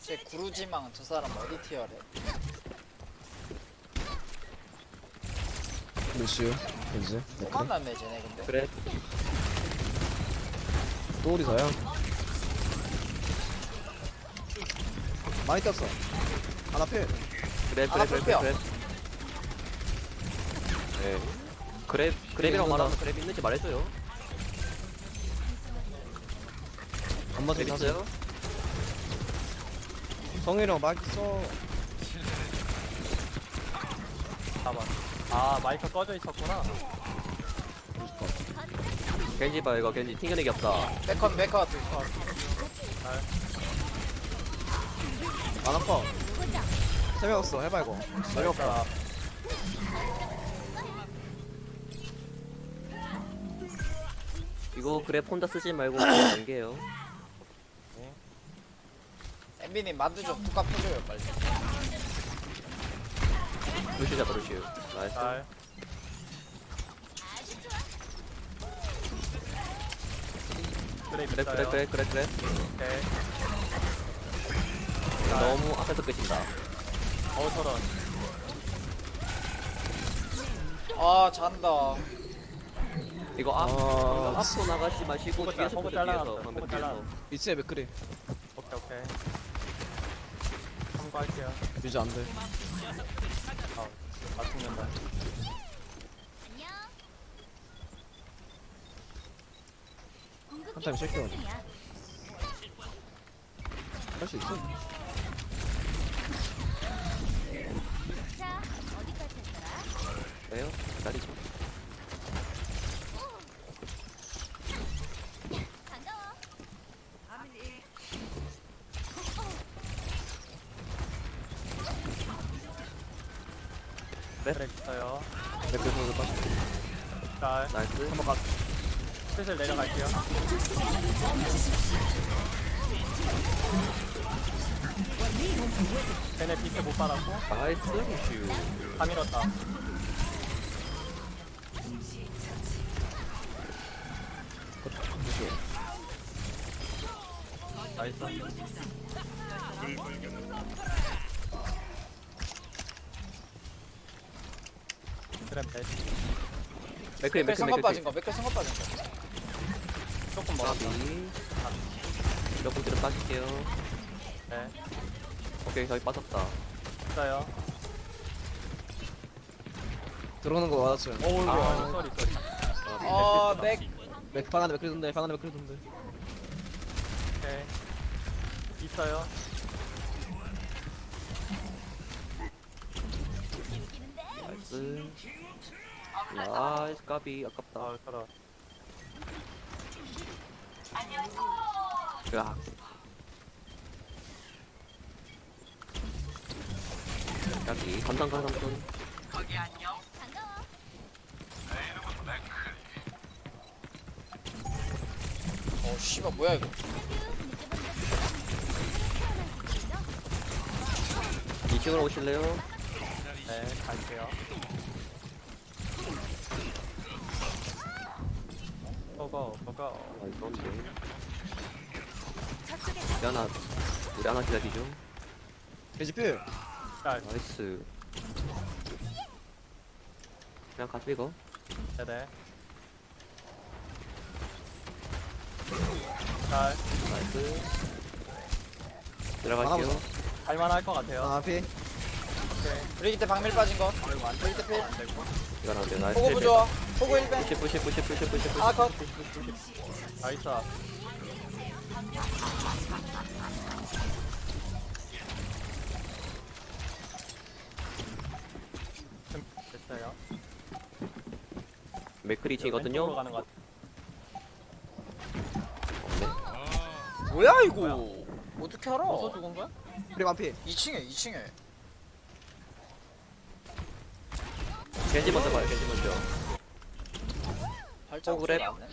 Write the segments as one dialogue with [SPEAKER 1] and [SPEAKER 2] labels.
[SPEAKER 1] 쟤 구루지망 저 사람 어디 티어래?
[SPEAKER 2] 루시우 겐지
[SPEAKER 1] 또
[SPEAKER 2] 맥크리
[SPEAKER 1] 만났네 쟤네 근데.
[SPEAKER 3] 그래.
[SPEAKER 2] 또 우리사야 많이 떴어 하나 필
[SPEAKER 3] 그래
[SPEAKER 1] 하나
[SPEAKER 3] 그래 그래
[SPEAKER 1] 뺄게요.
[SPEAKER 3] 그래. 네. 그랩이라고 말하면 그랩 있는지 말해줘요.
[SPEAKER 2] 안 맞아
[SPEAKER 3] 그랩 있어요?
[SPEAKER 2] 성희랑 막 있어
[SPEAKER 4] 봐봐. 아 마이크 꺼져 있었구나.
[SPEAKER 3] 겐지 봐 이거 겐지 튕겨내기 없다.
[SPEAKER 1] 백컷 백컷.
[SPEAKER 2] 안 아파 세명 없어 해봐 이거
[SPEAKER 4] 어렵다.
[SPEAKER 3] 이거 그랩 혼자 쓰지 말고 그냥 연계요.
[SPEAKER 1] 엠비님 만두 좀 뚜까 펴줘요 빨리.
[SPEAKER 3] 루시우 잡아 루시우. 나이스.
[SPEAKER 4] 잘. 그래
[SPEAKER 3] 그래 그래 그래 그래 그래.
[SPEAKER 4] 오케이.
[SPEAKER 3] 너무 앞에서 끝인다.
[SPEAKER 4] 저런.
[SPEAKER 1] 아 잔다.
[SPEAKER 3] 이거 앞으로 나가지 마시고
[SPEAKER 4] 호구
[SPEAKER 3] 뒤에서 보자
[SPEAKER 4] 잘라놨어요.
[SPEAKER 3] 뒤에서 방금
[SPEAKER 4] 호구
[SPEAKER 3] 뒤에서.
[SPEAKER 4] 잘라놨어요.
[SPEAKER 2] 이츠에 맥크리
[SPEAKER 4] 오케이 오케이. 참고할게요.
[SPEAKER 2] 유지 안돼
[SPEAKER 4] 아 죽는다.
[SPEAKER 2] 한 타임 쉴게요 할 수 있어
[SPEAKER 5] 자, 어디까지 했더라?
[SPEAKER 3] 왜요? 기다리죠.
[SPEAKER 5] 반가워.
[SPEAKER 4] 그래 있어요.
[SPEAKER 2] 맥크리 선수 빠져
[SPEAKER 4] 자,
[SPEAKER 3] 나이스.
[SPEAKER 2] 한번 가
[SPEAKER 4] 슬슬 내려갈게요. 쟤네 비트 못 받았고
[SPEAKER 3] 나이스 루시우.
[SPEAKER 4] 다 밀었다. 나이스. 그래 베스.
[SPEAKER 3] 맥크리
[SPEAKER 1] 백클
[SPEAKER 3] 맥크리
[SPEAKER 1] 성공 빠진
[SPEAKER 3] 맥크리.
[SPEAKER 1] 거. 백클 성공 빠진 거.
[SPEAKER 4] 조금 멀었다.
[SPEAKER 3] 까비. 몇 분들은 빠질게요.
[SPEAKER 4] 네.
[SPEAKER 3] 오케이 저기 빠졌다.
[SPEAKER 4] 있어요.
[SPEAKER 2] 들어오는 거 맞았어요
[SPEAKER 4] 오우
[SPEAKER 3] 아.
[SPEAKER 4] 쏘리.
[SPEAKER 1] 아 맥.
[SPEAKER 2] 맥방 안에 맥크리 돈대 방 안에 맥크리 돈대
[SPEAKER 4] 오케이. 있어요.
[SPEAKER 3] 나이스. 나이스 까비 아깝다.
[SPEAKER 4] 저런.
[SPEAKER 3] 야. 까비 감상가 삼촌.
[SPEAKER 5] 반가워.
[SPEAKER 1] 어 씨발 뭐야 이거.
[SPEAKER 3] 2층으로 오실래요?
[SPEAKER 4] 네, 갈게요. 고고, 고고.
[SPEAKER 3] 아 이건데. 우리 하나 기다리죠.
[SPEAKER 2] 겐지 필
[SPEAKER 4] 짤,
[SPEAKER 3] 나이스. 그냥 가죠 이거.
[SPEAKER 4] 네네. 짤,
[SPEAKER 3] 나이스. 들어갈게요.
[SPEAKER 4] 할만할 것 같아요.
[SPEAKER 2] 아 필
[SPEAKER 4] 오케이.
[SPEAKER 1] 브리기 때 방밀 빠진 거.
[SPEAKER 4] 아이고, 안
[SPEAKER 1] 브리기 때 필.
[SPEAKER 4] 되고.
[SPEAKER 3] 이건 안 돼. 나이스.
[SPEAKER 1] 호구 부좋아. 호구 1벤.
[SPEAKER 3] 푸시.
[SPEAKER 1] 하나 컷.
[SPEAKER 4] 나이스. 됐어요.
[SPEAKER 3] 맥크리
[SPEAKER 4] 왼쪽으로
[SPEAKER 3] 2층이거든요.
[SPEAKER 4] 가는 것 같아.
[SPEAKER 1] 뭐야 이거. 어떻게 알아?
[SPEAKER 4] 어디서 죽은 거야?
[SPEAKER 2] 우리 완피
[SPEAKER 1] 2층에 2층에.
[SPEAKER 3] 겐지 먼저 봐요. 겐지 먼저.
[SPEAKER 1] 발자국
[SPEAKER 3] 어, 그래.
[SPEAKER 1] 소리 안 나네.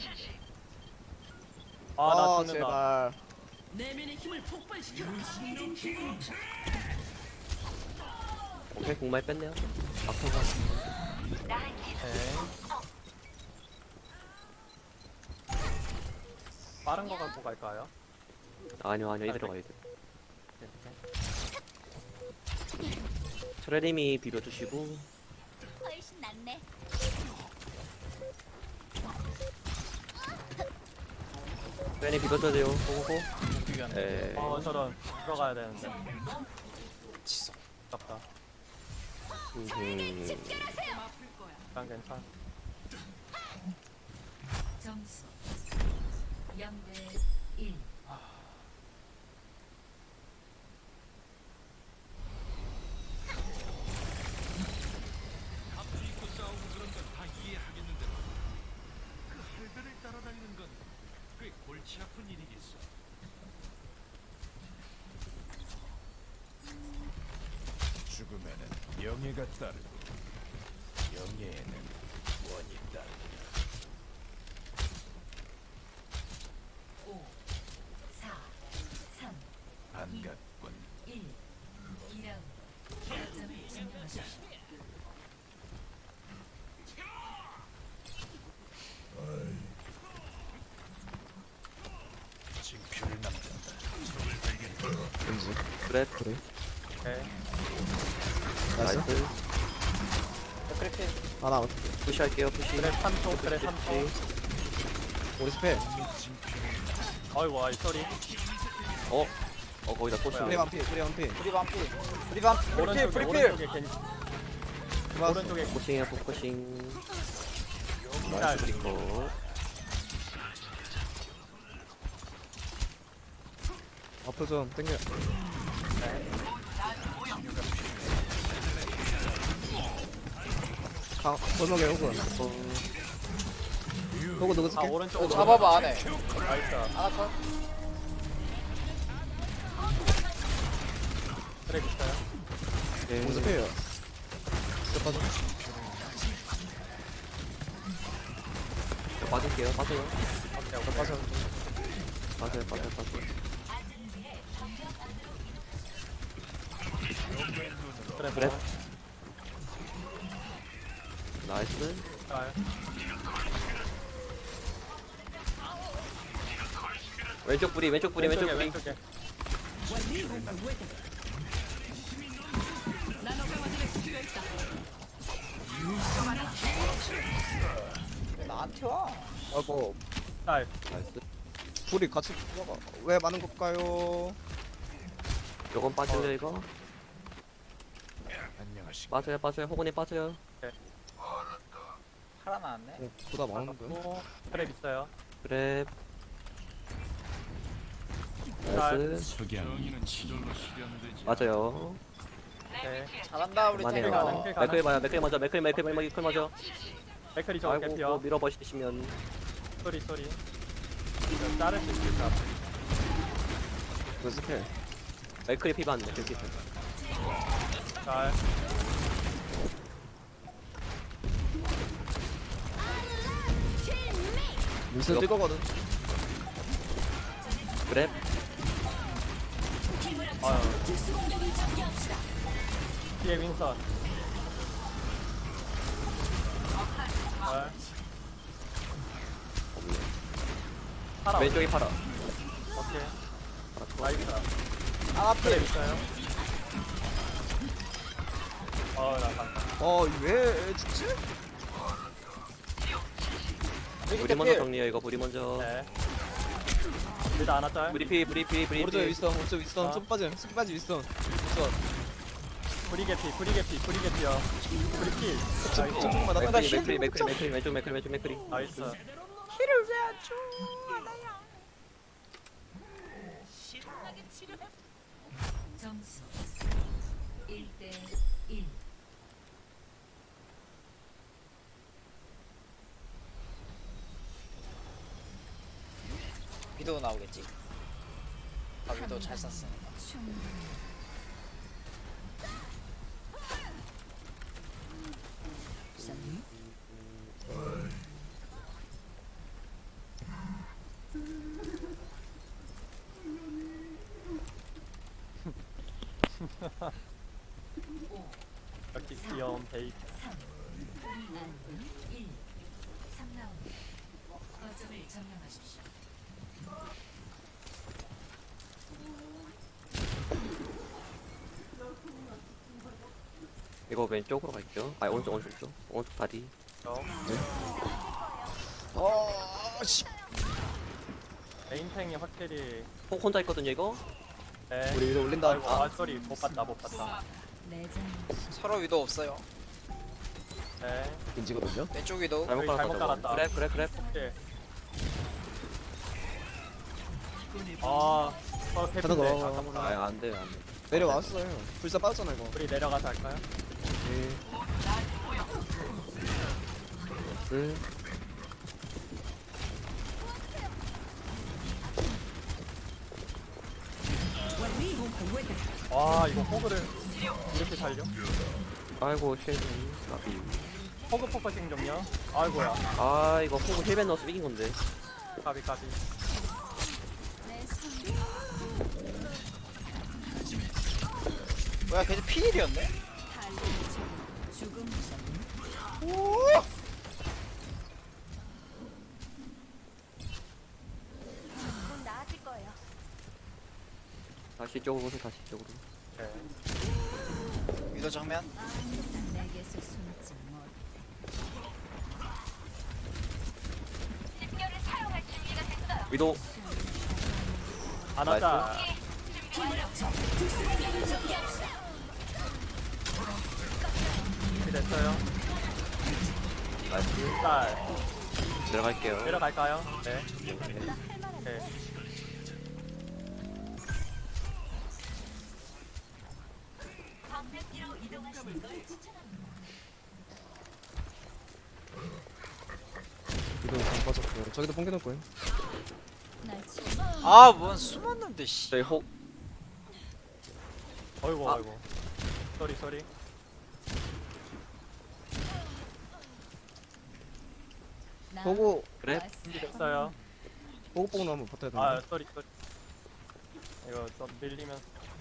[SPEAKER 4] 아, 나 죽는다.
[SPEAKER 2] 제발
[SPEAKER 3] 오케이 공말 뺐네요. 막상가.
[SPEAKER 4] 오케이. 빠른 거 갖고 갈까요?
[SPEAKER 3] 아니요 이대로 가야 돼.
[SPEAKER 4] 네, 네.
[SPEAKER 3] 트레님이 비벼주시고.
[SPEAKER 5] 훨씬 낫네.
[SPEAKER 3] 트레님 비벼줘야 돼요. 고고고.
[SPEAKER 1] 비교하네.
[SPEAKER 3] 네.
[SPEAKER 4] 저런 들어가야 되는데
[SPEAKER 1] 지성.
[SPEAKER 4] 아깝다.
[SPEAKER 3] 음.
[SPEAKER 4] 난 괜찮아.
[SPEAKER 6] 점수 0대 1.
[SPEAKER 7] 죽음에는 명예가 따르고 명예에는 원이 따른다.
[SPEAKER 6] 5, 4, 3,
[SPEAKER 7] 반갑군.
[SPEAKER 6] 1. 2라운드. 거점을 점령하십시오.
[SPEAKER 7] 징표를 남긴다.
[SPEAKER 3] 그래.
[SPEAKER 4] 오케이.
[SPEAKER 2] 나이스.
[SPEAKER 3] 나이스.
[SPEAKER 1] 그렇게
[SPEAKER 2] 하나
[SPEAKER 3] 푸시할게요. 푸시.
[SPEAKER 4] 그래 3초 그래 3초.
[SPEAKER 2] 우리 스펠.
[SPEAKER 4] 아이고 아이 소리.
[SPEAKER 3] 거기다 꽂히네.
[SPEAKER 2] 프리 완피 프리 완피.
[SPEAKER 1] 프리 반피. 프리 반피. 프리필. 프리필.
[SPEAKER 4] 오른쪽에 괜히
[SPEAKER 2] 들어왔어.
[SPEAKER 4] 오른쪽에
[SPEAKER 3] 포커싱이야 포커싱.
[SPEAKER 4] 짤.
[SPEAKER 3] 나이스 브리커.
[SPEAKER 2] 앞으로 좀 당겨. 골목에 호구. 호구 누구
[SPEAKER 4] 아
[SPEAKER 2] 쓸게?
[SPEAKER 4] 오른쪽으로
[SPEAKER 1] 잡아봐 안에.
[SPEAKER 4] 나이스.
[SPEAKER 1] 하나 컷.
[SPEAKER 4] 그래 있어요.
[SPEAKER 2] 호구 스펠이요. 진짜 빠져.
[SPEAKER 3] 빠질게요. 빠져요.
[SPEAKER 4] 오케이 오케이.
[SPEAKER 3] 빠져요.
[SPEAKER 4] 그래
[SPEAKER 3] 그래. 나이스.
[SPEAKER 4] 짤.
[SPEAKER 3] 왼쪽 뿌리. 왼쪽 뿌리.
[SPEAKER 4] 왼쪽에.
[SPEAKER 1] 왜 나한테 와?
[SPEAKER 2] 아이고
[SPEAKER 4] 짤.
[SPEAKER 3] 나이스.
[SPEAKER 2] 둘이 같이 들어가. 왜 많은 걸까요?
[SPEAKER 3] 요건 빠질래요 이거?
[SPEAKER 7] 안녕하십니까.
[SPEAKER 3] 빠져요. 호건이 빠져요.
[SPEAKER 1] 팔아 나왔네.
[SPEAKER 2] 보다 많은 거.
[SPEAKER 4] 오, 그래 있어요.
[SPEAKER 3] 그래.
[SPEAKER 4] 짤.
[SPEAKER 3] 나이스.
[SPEAKER 7] 정의는 지절로 실현되지.
[SPEAKER 3] 맞아요.
[SPEAKER 4] 오케이.
[SPEAKER 1] 잘한다 우리
[SPEAKER 3] 그만해요.
[SPEAKER 1] 탱커.
[SPEAKER 4] 가능.
[SPEAKER 3] 맥클 봐요. 맥클 먼저. 맥클 먼저.
[SPEAKER 4] 맥클이 저거
[SPEAKER 3] 아이고
[SPEAKER 4] 개피어.
[SPEAKER 3] 뭐 밀어버리시면.
[SPEAKER 4] 소리. 이거 자를 수 있을까?
[SPEAKER 2] 그 스펠.
[SPEAKER 3] 맥클이 피반. 맥클 피반.
[SPEAKER 4] 짤.
[SPEAKER 2] 민스 뛸 거거든.
[SPEAKER 3] 그래.
[SPEAKER 4] 아유. 뒤에 윈선. 짤. 팔아.
[SPEAKER 3] 왼쪽이 팔아.
[SPEAKER 4] 오케이. 나이스.
[SPEAKER 1] 하나
[SPEAKER 4] 그래
[SPEAKER 1] 필.
[SPEAKER 4] 있어요. 나 간다.
[SPEAKER 2] 왜 죽지?
[SPEAKER 3] 우리 먼저 정리해요 이거. 우리 먼저.
[SPEAKER 4] 네. 일단 하나 짤.
[SPEAKER 3] 브리.
[SPEAKER 2] 오른쪽에 윗선 오른쪽 윗선
[SPEAKER 4] 아.
[SPEAKER 2] 좀 빠져. 쑥 빠지 윗선. 윗선.
[SPEAKER 4] 브리 개피요. 브리 킬. 나이스.
[SPEAKER 2] 조금만 나
[SPEAKER 3] 맥클이 왼쪽 맥클이.
[SPEAKER 4] 나이스.
[SPEAKER 6] 점수 1대 1.
[SPEAKER 1] 위도우 나오겠지. 아 위도우 잘 쐈으니까.
[SPEAKER 4] 이렇게 귀여운 베이비.
[SPEAKER 6] 1. 3라운드. 거점을 점령하십시오.
[SPEAKER 3] 이거 왼쪽으로 갈게요. 아 오른쪽 오른쪽 다리.
[SPEAKER 2] 씨.
[SPEAKER 4] 메인탱이 확실히.
[SPEAKER 3] 혼자 있거든요 이거.
[SPEAKER 4] 네.
[SPEAKER 2] 우리 위로 올린다.
[SPEAKER 4] 아이고, 아, 쏘리. 못 봤다.
[SPEAKER 6] 내장
[SPEAKER 1] 서로 위도 없어요.
[SPEAKER 4] 네.
[SPEAKER 2] 인지거든요.
[SPEAKER 1] 왼쪽 위도.
[SPEAKER 3] 잘못
[SPEAKER 4] 저기
[SPEAKER 3] 깔았다.
[SPEAKER 4] 잘못 깔았다.
[SPEAKER 3] 그래.
[SPEAKER 4] 네. 아,
[SPEAKER 2] 가는
[SPEAKER 4] 캐피인데.
[SPEAKER 2] 거.
[SPEAKER 4] 아깝다.
[SPEAKER 3] 아 안돼 안돼.
[SPEAKER 2] 내려왔어요. 불사 빠졌잖아 이거.
[SPEAKER 4] 우리 내려가서 할까요?
[SPEAKER 2] 네.
[SPEAKER 4] 와, 이거 호그를 이렇게 살려?
[SPEAKER 3] 아이고 쉐이 나비.
[SPEAKER 4] 호그 포커싱 좀요. 아이고야.
[SPEAKER 3] 아 이거 호구 힐벤 넣어서 이긴 건데.
[SPEAKER 4] 까비.
[SPEAKER 1] 뭐야 걔도 피일이었네?
[SPEAKER 6] 죽음
[SPEAKER 5] 곧 나아질 거예요.
[SPEAKER 3] 다시 이쪽으로 오세요. 다시 이쪽으로.
[SPEAKER 4] 네.
[SPEAKER 1] 위도 정면.
[SPEAKER 6] 내게서 숨지 못.
[SPEAKER 5] 집결을 사용할 준비가 됐어요.
[SPEAKER 3] 위도
[SPEAKER 4] 안 하자. 준비됐어요.
[SPEAKER 3] 나이스.
[SPEAKER 4] 자,
[SPEAKER 3] 내려갈게요.
[SPEAKER 4] 내려갈까요? 네. 네.
[SPEAKER 5] 방백기로 이동하시는 걸 추천합니다.
[SPEAKER 2] 이거 안 빠졌고. 저기도 뽕개 넣을 거예요.
[SPEAKER 6] 날 치.
[SPEAKER 1] 아뭔 숨었는데 씨.
[SPEAKER 3] 저희 호
[SPEAKER 4] 어이구,
[SPEAKER 3] 아.
[SPEAKER 4] 어이구. 쏘리.
[SPEAKER 2] 보고
[SPEAKER 3] 그래.
[SPEAKER 4] 준비됐어요.
[SPEAKER 2] 보고 한번 버텨야 되나?
[SPEAKER 4] 아, 쏘리. 이거 좀 밀리면.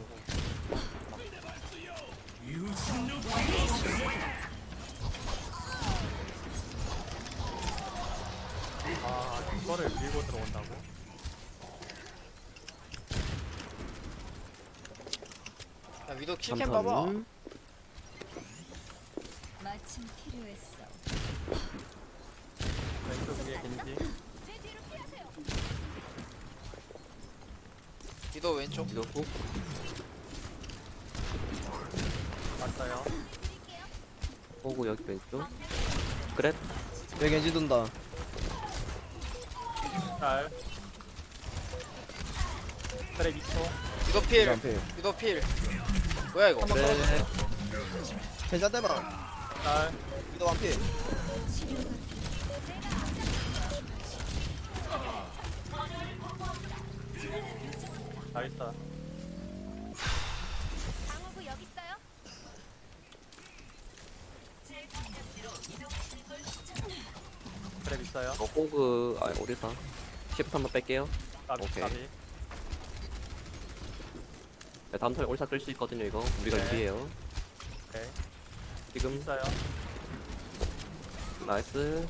[SPEAKER 4] 아, 이거를 밀고 들어온다고?
[SPEAKER 1] 야 위도 킬캠 봐봐.
[SPEAKER 6] 마침 필요했어.
[SPEAKER 4] 왼쪽 위에 겐지.
[SPEAKER 1] 위도 왼쪽.
[SPEAKER 3] 위도 호.
[SPEAKER 4] 맞아요.
[SPEAKER 3] 호구 여기 왼쪽. 그래.
[SPEAKER 2] 여기 엔지 돈다.
[SPEAKER 4] 잘. 그래, 2초.
[SPEAKER 1] 위도
[SPEAKER 2] 이거
[SPEAKER 1] 필.
[SPEAKER 2] 안 패요.
[SPEAKER 1] 위도 필. 뭐야 이거?
[SPEAKER 3] 그래.
[SPEAKER 2] 괜찮 대봐.
[SPEAKER 4] 잘.
[SPEAKER 2] 위도 완피.
[SPEAKER 4] 나이스.
[SPEAKER 5] 방어구 여기 있어요.
[SPEAKER 4] 그래, 있어요.
[SPEAKER 3] 호구 아 오리사. 시프트 한번 뺄게요.
[SPEAKER 4] 까비,
[SPEAKER 3] 오케이.
[SPEAKER 4] 까비.
[SPEAKER 3] 네, 다음 턴에 오리사 끌 수 있거든요 이거. 우리가
[SPEAKER 4] 네.
[SPEAKER 3] 유리해요.
[SPEAKER 4] 오케이.
[SPEAKER 3] 지금
[SPEAKER 4] 있어요.
[SPEAKER 3] 나이스.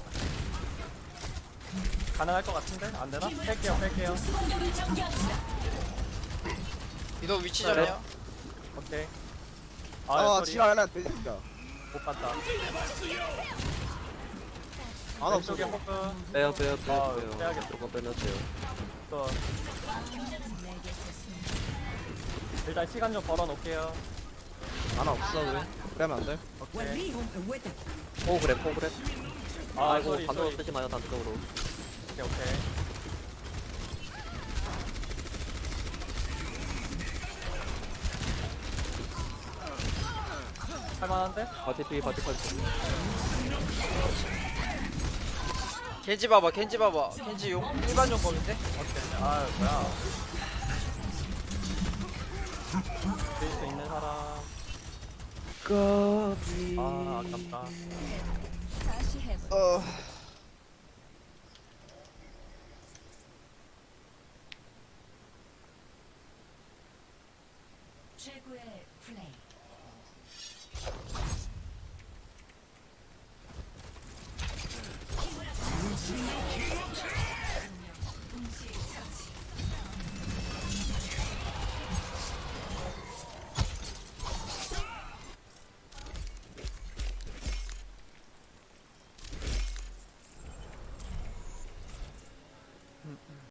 [SPEAKER 4] 가능할 것 같은데? 안 되나? 뺄게요.
[SPEAKER 1] 위도 위치 점이요.
[SPEAKER 4] 오케이.
[SPEAKER 2] 아,
[SPEAKER 4] 쏘리.
[SPEAKER 2] 지랄라 진짜.
[SPEAKER 4] 못 봤다.
[SPEAKER 2] 안 없어.
[SPEAKER 4] 왼쪽에 호그.
[SPEAKER 3] 빼요.
[SPEAKER 4] 아, 빼야겠다.
[SPEAKER 3] 조금 빼놨어요.
[SPEAKER 4] 또
[SPEAKER 6] 내게서 숨지.
[SPEAKER 4] 일단 시간 좀 벌어 놓을게요.
[SPEAKER 2] 안 없어 그래. 그러면 안 돼.
[SPEAKER 4] 오케이.
[SPEAKER 3] 호 그래.
[SPEAKER 4] 아,
[SPEAKER 3] 아이고
[SPEAKER 4] 쏘리.
[SPEAKER 3] 단독으로 쓰지 마요 단독으로.
[SPEAKER 4] 오케이. 할만한데?
[SPEAKER 3] 바티피.
[SPEAKER 1] 겐지 봐봐. 겐지 용 일반 용검인데?
[SPEAKER 4] 오케이. 아, 뭐야. 베이스 있는 사람. 아, 아깝다.
[SPEAKER 6] 다시 해봐. 최고의